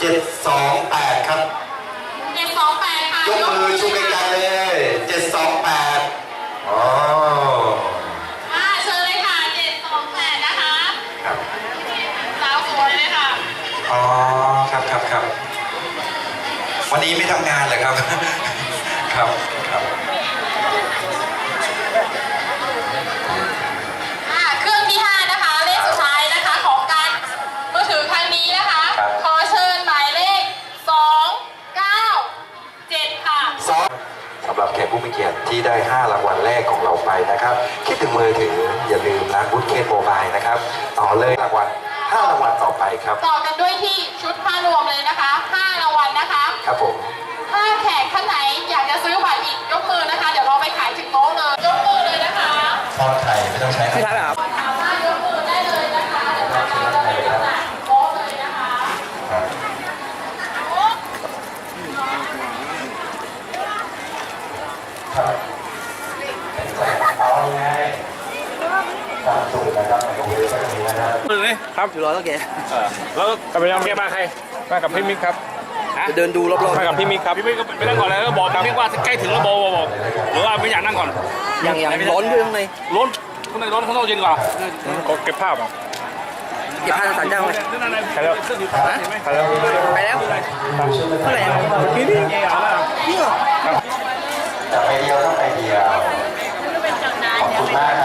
728ครับ 728ค่ะยกมือชูไกลๆเลย728อ๋อเชิญเลยค่ะ728นะคะครับสาวสวยเลยค่ะอ๋อครับวันนี้ไม่ทำงานเหรอครับครับเครื่องที่5นะคะเลขสุดท้ายนะคะของการมือถือครั้งนี้นะคะขอเชิญหมายเลข297ค่ะสำหรับแขกผู้มีเกียรติที่ได้5รางวัลแรกของเราไปนะครับคิดถึงมือถืออย่าลืมนะบุ๊คเคสโมบายนะครับต่อเลยรางวัล5รางวัลต่อไปครับต่อกันด้วยที่ชุดผ้ารวมเลยนะคะ5รางวัลนะคะครับผมถ้าแขกท่านไหนอยากจะซื้อบัตรอีกยกมือนะคะเดี๋ยวเราไปขายถึงโต๊ะเลยยกมือเลยนะคะทอดไข่ไม่ต้องใช้ไม่ทันครับสามารถยกมือได้เลยนะคะเดี๋ยวเราจะไปจำหน่ายโต๊ะเลยนะคะเอาไงตามสูตรนะครับในโรงเรียนก็จะมีนะครับครับอยู่รอแล้วแกแล้วกับไปยังแกมาใครมากับพี่มิกครับจะเดินดูรอบๆมากับพี่มิกครับพี่มิกก็ไปนั่งก่อนเลยแล้วบอกพี่มิกว่าใกล้ถึงแล้วบอกหรือว่าไม่อยากนั่งก่อนอย่างร้อนด้วยข้างในร้อนข้างในร้อนข้างนอกเย็นกว่าเก็บภาพอ่ะเก็บผ้าสันเจ้าไหมไปแล้วไปแล้วไปแล้วเท่าไหร่พี่นี่นี่เหรอแต่ไปเดียวต้องไปเดียวขอบคุณมากค